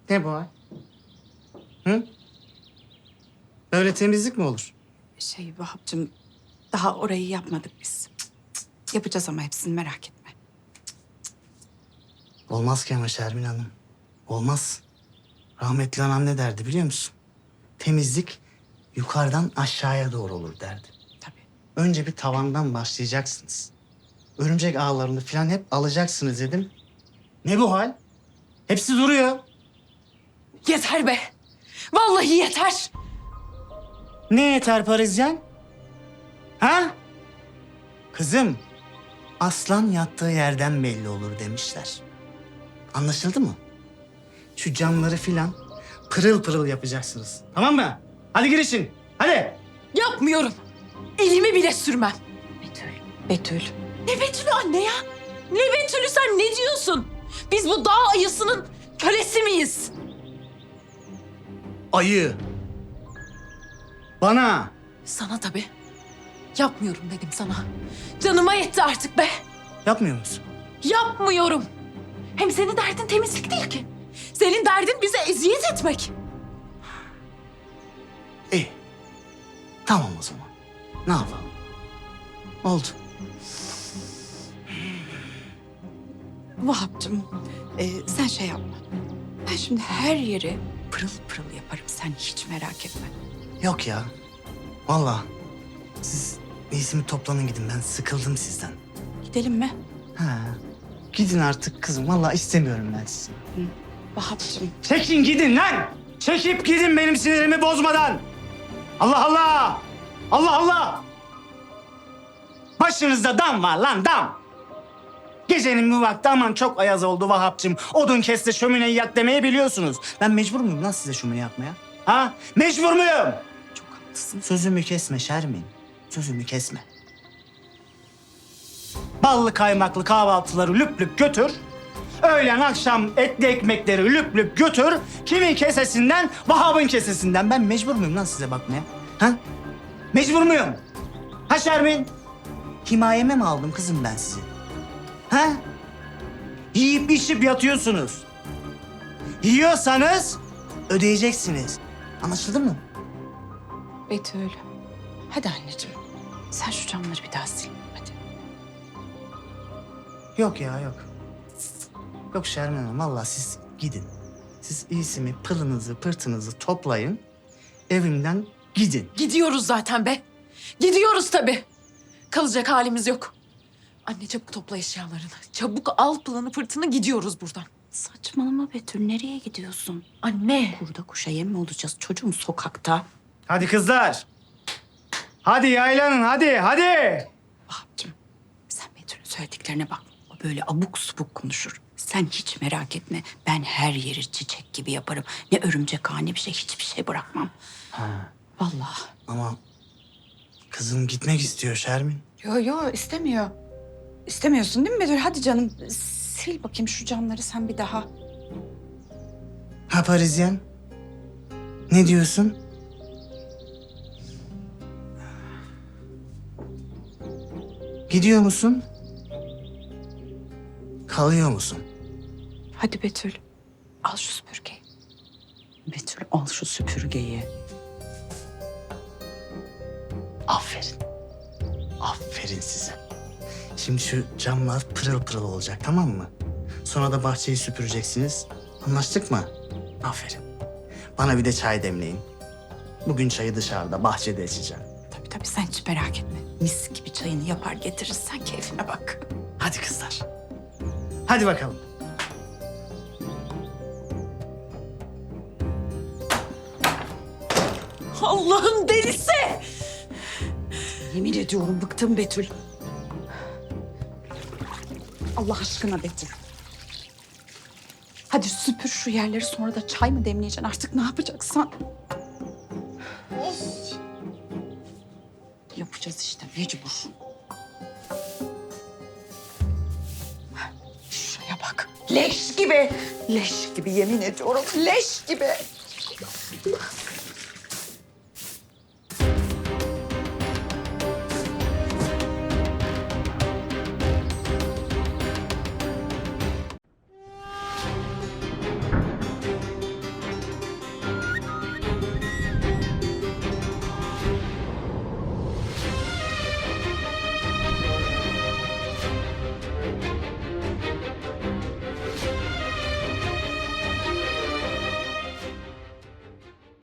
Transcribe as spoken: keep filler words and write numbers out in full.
Ne bu hal? Hı? Böyle temizlik mi olur? Şey Vahap'cığım, daha orayı yapmadık biz. Cık, cık. Yapacağız ama hepsini, merak etme. Olmaz ki ama Şermin Hanım. Olmaz. Rahmetli anam ne derdi biliyor musun? Temizlik yukarıdan aşağıya doğru olur derdi. Tabii. Önce bir tavandan başlayacaksınız. Örümcek ağlarını falan hep alacaksınız dedim. Ne bu hal? Hepsi duruyor. Yeter be! Vallahi yeter! Ne yeter Parisyen? Ha? Kızım, aslan yattığı yerden belli olur demişler. Anlaşıldı mı? Şu camları filan pırıl pırıl yapacaksınız. Tamam mı? Hadi girişin. Hadi. Yapmıyorum. Elimi bile sürmem. Betül, Betül. Ne Betül'ü anne ya? Ne Betül'ü, sen ne diyorsun? Biz bu dağ ayısının kölesi miyiz? Ayı. Bana. Sana tabii. Yapmıyorum dedim sana. Canıma yetti artık be. Yapmıyor musun? Yapmıyorum. Hem senin derdin temizlik değil ki. Senin derdin bize eziyet etmek. İyi. Tamam o zaman. Ne yapalım? Oldu. Vahap'cığım, e, sen şey yapma. Ben şimdi her yeri pırıl pırıl yaparım. Sen hiç merak etme. Yok ya. Vallahi siz iyisini toplanın gidin. Ben sıkıldım sizden. Gidelim mi? Ha. Gidin artık kızım. Vallahi istemiyorum ben sizi. Vahap'cığım. Çekin gidin lan! Çekip gidin benim sinirimi bozmadan! Allah Allah! Allah Allah! Başınızda dam var lan dam! Gecenin bu vakti aman çok ayaz oldu Vahap'cığım. Odun kes de şömineyi yak demeyi biliyorsunuz. Ben mecbur muyum lan size şömine yakmaya? Ha? Mecbur muyum? Çok haklısın. Sözümü kesme Şermin. Sözümü kesme. Ballı kaymaklı kahvaltıları lüp lüp götür. Öğlen akşam etli ekmekleri lüp lüp götür. Kimin kesesinden? Vahap'ın kesesinden. Ben mecbur muyum lan size bakmaya? Ha? Mecbur muyum? Ha Şermin? Himayeme mi aldım kızım ben sizi? Ha? Yiyip içip yatıyorsunuz. Yiyorsanız ödeyeceksiniz. Anlaşıldı mı? Betül. Hadi anneciğim. Sen şu camları bir daha sil. Hadi. Yok ya yok. Yok Şermin Hanım vallahi siz gidin. Siz iyisi mi pılınızı pırtınızı toplayın. Evimden gidin. Gidiyoruz zaten be. Gidiyoruz tabii. Kalacak halimiz yok. Anne çabuk topla eşyalarını. Çabuk al pılını pırtını, gidiyoruz buradan. Saçmalama Betül. Nereye gidiyorsun? Anne. Kurda kuşa yem mi olacağız? Çocuğum sokakta. Hadi kızlar. Hadi yaylanın hadi hadi. Vahap'cığım, sen Betül'ün söylediklerine bak. O böyle abuk subuk konuşur. Sen hiç merak etme. Ben her yeri çiçek gibi yaparım. Ne örümcek ağa ne bir şey, hiçbir şey bırakmam. Ha, Vallahi. ama kızım gitmek istiyor Şermin. Yo yo istemiyor. İstemiyorsun değil mi Betül? Hadi canım sil bakayım şu camları sen bir daha. Ha Parisyen? Ne diyorsun? Gidiyor musun? Kalıyor musun? Hadi Betül. Al şu süpürgeyi. Betül al şu süpürgeyi. Aferin. Aferin size. Şimdi şu camlar pırıl pırıl olacak tamam mı? Sonra da bahçeyi süpüreceksiniz. Anlaştık mı? Aferin. Bana bir de çay demleyin. Bugün çayı dışarıda, bahçede içeceğim. Tabii tabii sen hiç merak etme. Mis gibi çayını yapar getiririz. Sen keyfine bak. Hadi kızlar. Hadi bakalım. Allah'ın delisi. Yemin ediyorum bıktım Betül. Allah aşkına Betül. Hadi süpür şu yerleri, sonra da çay mı demleyeceksin artık, ne yapacaksan. Yapacağız işte mecbur. Şuraya bak. Leş gibi. Leş gibi yemin ediyorum. Leş gibi.